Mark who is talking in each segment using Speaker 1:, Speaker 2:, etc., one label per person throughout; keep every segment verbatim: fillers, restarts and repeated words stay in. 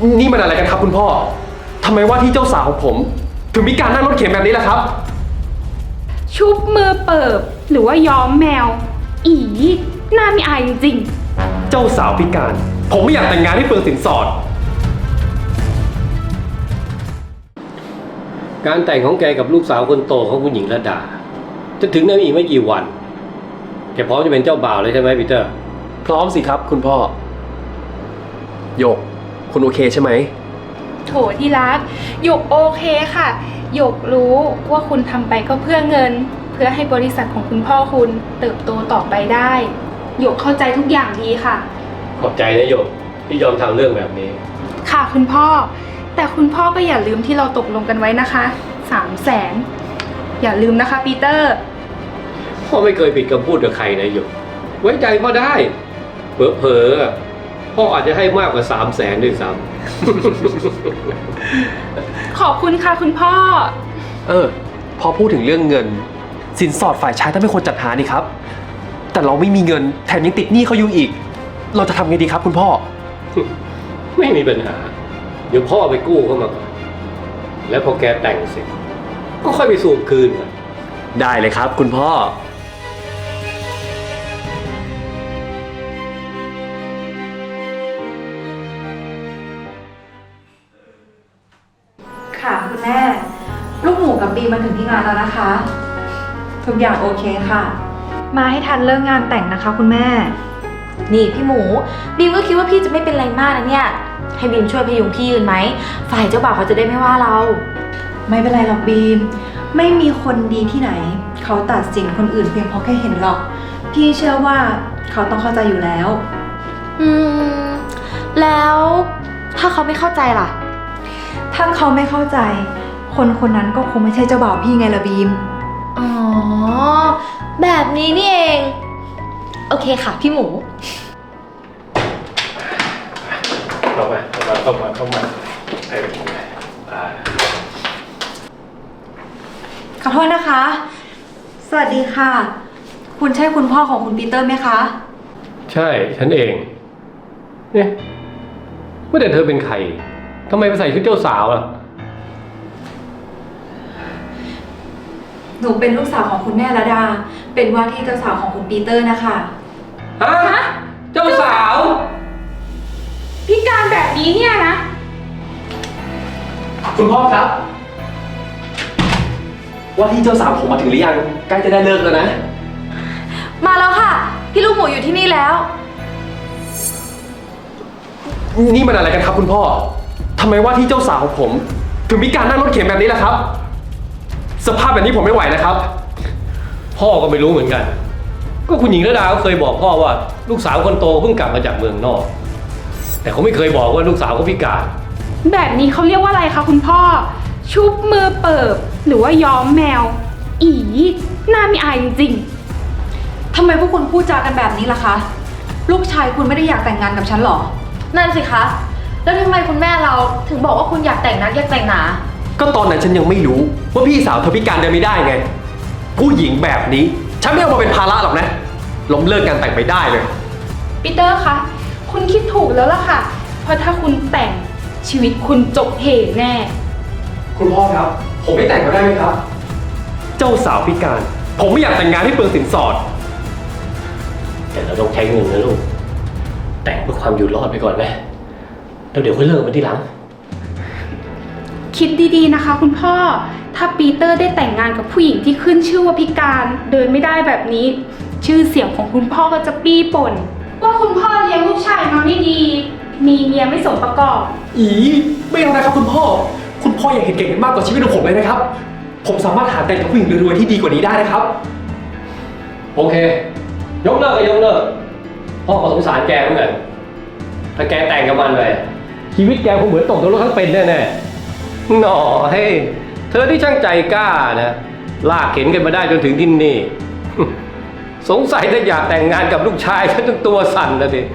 Speaker 1: นี่มันอะไรกันครับคุณพ่อทำไมว่าที่เจ้าสาวของผมถึงมีการนั่งรถเข็นแบบนี้ล่ะครับ
Speaker 2: ชุบมือเปิบหรือว่าย้อมแมวอีหน้ามีอายจริง
Speaker 1: ๆเจ้าสาวพิการผมไม่อยากแต่งงานให้เปลืองสินสอด
Speaker 3: การแต่งของแกกับลูกสาวคนโตของคุณหญิงระดาจะถึงนั้นอีกไม่กี่วันแกพร้อมจะเป็นเจ้าบ่าวเลยใช่ไหมปีเตอร์
Speaker 1: พร้อมสิครับคุณพ่อโยกคุณโอเคใช่ไหม
Speaker 2: โถที่รักหยกโอเคค่ะหยกรู้ว่าคุณทำไปก็เพื่อเงินเพื่อให้บริษัทของคุณพ่อคุณเติบโตต่อไปได้หยกเข้าใจทุกอย่างดีค่ะ
Speaker 3: ขอบใจนะโยกที่ยอมทำเรื่องแบบนี้
Speaker 2: ค่ะคุณพ่อแต่คุณพ่อก็อย่าลืมที่เราตกลงกันไว้นะคะสามแสนอย่าลืมนะคะปีเตอร์
Speaker 3: พ่อไม่เคยผิดคำพูดกับใครนะโยกไว้ใจพ่อได้เผลอๆพ่ออาจจะให้มากกว่าสามแสนด้วยซ้
Speaker 2: ำขอบคุณค่ะคุณพ่อ
Speaker 1: เออพอพูดถึงเรื่องเงินสินสอดฝ่ายชายต้องเป็นคนจัดหานี่ครับแต่เราไม่มีเงินแถมยังติดหนี้เขาอยู่อีกเราจะทำไงดีครับคุณพ่อ
Speaker 3: ไม่มีปัญหาเดี๋ยวพ่อไปกู้เข้ามาก่อนแล้วพอแกแต่งเสร็จก็ค่อยไปสูบคืนกัน
Speaker 1: ได้เลยครับคุณพ่อ
Speaker 4: ค่ะคุณแม่ลูกหมูกับบีมาถึงที่งานแล้วนะคะทุกอย่างโอเคค่ะมาให้ทันเลิกงานแต่งนะคะคุณแม่
Speaker 5: นี่พี่หมูบีมก็คิดว่าพี่จะไม่เป็นไรมากนะเนี่ยให้บีมช่วยพยุงพี่ยืนไหมฝ่ายเจ้าบ่าวเขาจะได้ไม่ว่าเรา
Speaker 4: ไม่เป็นไรหรอกบีมไม่มีคนดีที่ไหนเขาตัดสินคนอื่นเพียงเพราะแค่เห็นหรอกพี่เชื่อว่าเขาต้องเข้าใจอยู่แล้ว
Speaker 5: อืมแล้วถ้าเขาไม่เข้าใจล่ะ
Speaker 4: ถ้าเขาไม่เข้าใจคนคนนั้นก็คงไม่ใช่เจ้าบ่าวพี่ไงล่ะบีม
Speaker 5: อ๋อแบบนี้นี่เองโอเคค่ะพี่หมู
Speaker 3: เข้ามาเข้ามาเข้ามาเข้ามา
Speaker 4: ขอโทษนะคะสวัสดีค่ะคุณใช่คุณพ่อของคุณปีเตอร์ไหมคะ
Speaker 3: ใช่ฉันเองเนี่ยว่าแต่เธอเป็นใครทำไมไปใส่ชุดเจ้าสาวล่ะ
Speaker 4: หนูเป็นลูกสาวของคุณแม่ระดาเป็นว่าที่เจ้าสาวของคุณปีเตอร์นะคะ
Speaker 3: ฮะเจ้าสาว
Speaker 2: พิการแบบนี้เนี่ยนะ
Speaker 1: คุณพ่อครับว่าที่เจ้าสาวผมมาถึงหรือยังใกล้จะได้เลิกแล้วนะ
Speaker 5: มาแล้วค่ะพี่ลูกหมูอยู่ที่นี่แล้ว
Speaker 1: นี่มันอะไรกันครับคุณพ่อทำไมว่าที่เจ้าสาวของผมถึงมีการนั่งรถเข็นแบบนี้ล่ะครับสภาพแบบนี้ผมไม่ไหวนะครับ
Speaker 3: พ่อก็ไม่รู้เหมือนกันก็คุณหญิงระดาเขาเคยบอกพ่อว่าลูกสาวคนโตเพิ่งกลับมาจากเมืองนอกแต่เขาไม่เคยบอกว่าลูกสาวเขาพิการ
Speaker 2: แบบนี้เขาเรียกว่าอะไรคะคุณพ่อชุบมือเปิบหรือว่าย้อมแมวอีหน้ามีอายจริง
Speaker 4: ๆทำไมพวกคุณพูดจากันแบบนี้ล่ะคะลูกชายคุณไม่ได้อยากแต่งงานกับฉันหรอ
Speaker 5: นั่นสิคะแล้วทำไมคุณแม่เราถึงบอกว่าคุณอยากแต่งนักอยากแต่งหนา
Speaker 1: ก็ตอนนั้นฉันยังไม่รู้ว่าพี่สาวเธอพิการเดินไม่ได้ไงผู้หญิงแบบนี้ฉันไม่เอามาเป็นภาระหรอกนะล้มเลิกการแต่งไปได้เลย
Speaker 2: ปีเตอร์คะคุณคิดถูกแล้วล่ะค่ะเพราะถ้าคุณแต่งชีวิตคุณจบเหแน่
Speaker 1: คุณพ่อครับผมไม่แต่งก็ได้ไหมครับเจ้าสาวพิการผมไม่อยากแต่งงานให้เปลืองสินสอด
Speaker 3: แต่เราต้องใช้เงินนะลูกแต่งเพื่อความอยู่รอดไปก่อนไหมแล้วเดี๋ยวค่อยเลิกมันทีหลัง
Speaker 2: คิดดีๆนะคะคุณพ่อถ้าปีเตอร์ได้แต่งงานกับผู้หญิงที่ขึ้นชื่อว่าพิการเดินไม่ได้แบบนี้ชื่อเสียงของคุณพ่อก็จะปี้ป่นว่าคุณพ่อเลี้ยงลูกชายมาไม่ดีมีเมียไม่สมประกอบ
Speaker 1: อีไม่เอานะครับคุณพ่อคุณพ่ออยากเห็นเก่งมากกว่าชีวิตของผมเลยนะครับผมสามารถหาแต่งกับผู้หญิงรวยๆที่ดีกว่านี้ได้นะครับ
Speaker 3: โอเคยกเลิกก็ยกเลิกพ่อก็สงสารแกเหมือนกันถ้าแกแต่งกับมันไปชีวิตแกคงเหมือนตกนรกทั้งเป็นแน่ๆหน่อเฮ้เธอที่ช่างใจกล้านะลากเข็นกันมาได้จนถึงที่นี่สงสัยถ้าอยากแต่งงานกับลูกชายฉันจนตัวสั่นนะสิ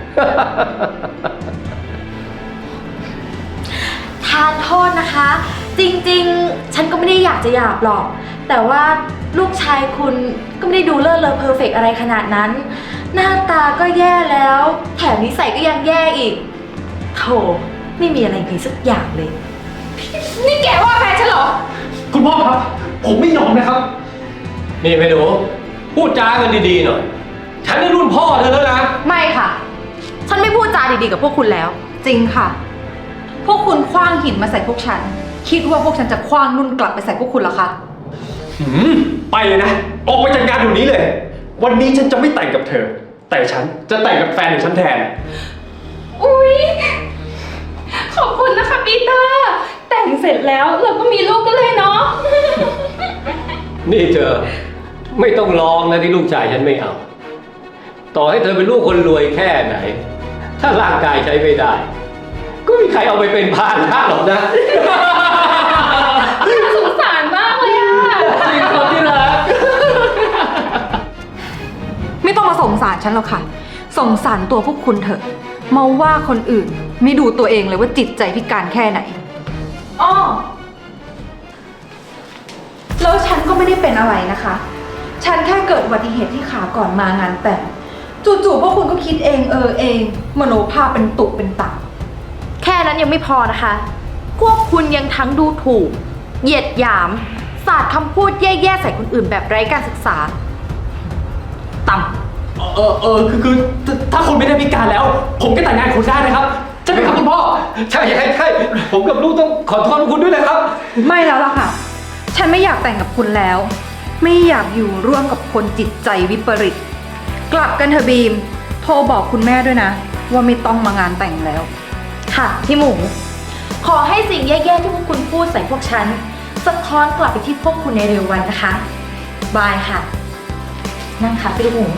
Speaker 5: ทานโทษนะคะจริงๆฉันก็ไม่ได้อยากจะหยาบหรอกแต่ว่าลูกชายคุณก็ไม่ได้ดูเลิศเลอเพอร์เฟกต์อะไรขนาดนั้นหน้าตาก็แย่แล้วแถมนิสัยก็ยังแย่อีกโถไม่มีอะไรเลยสักอย่างเลย
Speaker 2: นี่แกว่าแฟนฉันเหรอ
Speaker 1: คุณพ่อครับ ผมไม่ยอมนะครับ
Speaker 3: นี่ไปดูพูดจากันดีๆหน่อย ฉันนี่รุ่นพ่อเธอแล้วนะ
Speaker 5: ไม่ค่ะ ฉันไม่พูดจาดีๆกับพวกคุณแล้ว
Speaker 4: จริงค่ะ พวกคุณคว้างหินมาใส่พวกฉัน คิดว่าพวกฉันจะคว้างนุ่นกลับไปใส่พวกคุณเหรอคะ
Speaker 1: หืมไปเลยนะ ออกไปจากงานเดี๋ยวนี้เลย วันนี้ฉันจะไม่แต่งกับเธอ แต่ฉันจะแต่งกับแฟนของฉันแทน
Speaker 2: อุ๊ย ขอบคุณนะคะปีเตอร์ แต่งเสร็จแล้วเราก็มีลูกกันเลยเนาะ
Speaker 3: นี่เธอไม่ต้องร้องนะที่ลูกชายฉันไม่เอา ต่อให้เธอเป็นลูกคนรวยแค่ไหน ถ้าร่างกายใช้ไม่ได้ ก็ไม่มีใครเอาไปเป็นพาหนะหรอกนะ
Speaker 2: สงสารมากเลยอะ
Speaker 3: จริงคนที่รัก
Speaker 4: ไม่ต้องมาสงสารฉันหรอกค่ะ สงสารตัวพวกคุณเถอะ มาว่าคนอื่น ไม่ดูตัวเองเลยว่าจิตใจพิการแค่ไหน อ้อ แล้วฉันก็ไม่ได้เป็นอะไรนะคะ ฉันแค่เกิดอุบัติเหตุที่ขาก่อนมางานแต่ง จู่ๆพวกคุณก็คิดเองเออเอง มโนภาพเป็นตุเป็นตะ
Speaker 5: แค่นั้นยังไม่พอนะคะ พวกคุณยังทั้งดูถูก เหยียดหยาม สาดคำพูดแย่ๆใส่คนอื่นแบบไร้การศึกษา ต่ำ
Speaker 1: เออเออคือคือถ้าถ้าคุณไม่ได้พิการแล้ว ผมก็แต่งงานกับคุณได้นะครับใช่ไหมครับคุณพ่อ
Speaker 3: ใช่ใช่ใช่ผมกับลูกต้องขอโทษคุณด้วยนะครับ
Speaker 4: ไม่แล้วล่ะค่ะ ฉันไม่อยากแต่งกับคุณแล้ว ไม่อยากอยู่ร่วมกับคนจิตใจวิปริต กลับกันเถอะบีม โทรบอกคุณแม่ด้วยนะ ว่าไม่ต้องมางานแต่งแล้ว
Speaker 5: ค่ะพี่หมู ขอให้สิ่งแย่ๆที่พวกคุณพูดใส่พวกฉันสะท้อนกลับไปที่พวกคุณในเร็ววันนะคะ บายค่ะ นั่งค่ะพี่ลูกหมู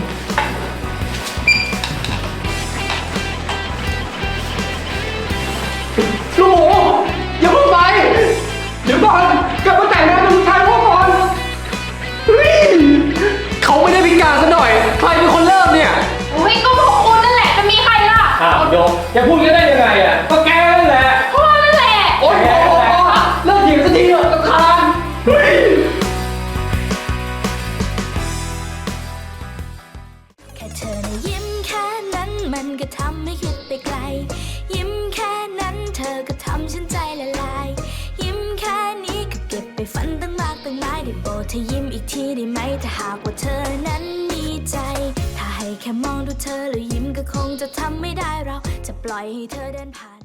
Speaker 1: ลูกหมูอย่าเพิ่งไป เดี๋ยวก่อนกลับมาแต่งงานกับลูกชายพ่อก่อนเฮ้ยเขาไม่ได้พิการซะหน่อย ใครเป็นคนเริ่มเนี่ย
Speaker 2: อุ๊ยก็พวกคุณนั่นแหละจะมีใครล่ะ
Speaker 3: อ้าวโยมจะพูดกันได้ยังไงอ่ะ ก็แกนั่นแหละ
Speaker 2: พ่อนั่นแหละ
Speaker 1: โอ๊ยโอ๊ยโอ๊ยโอ๊ยเลิกหยิงสักทีเถอะรำคาญเฮ้ย
Speaker 6: แค่เธอนะยิ้มแค่นั้นมันก็ทำให้คิดไปไกล ยิ้มแค่นั้นเธอก็ทำฉันใจละลาย ยิ้มแค่นี้ก็เก็บไปฝันตั้งมากตั้งหลายได้โปรดเธอยิ้มอีกทีได้ไหมถ้าหากว่าเธอนั้นมีใจ ถ้าให้แค่มองดูเธอแล้วยิ้มก็คงจะทำไม่ได้เราจะปล่อยให้เธอเดินผ่าน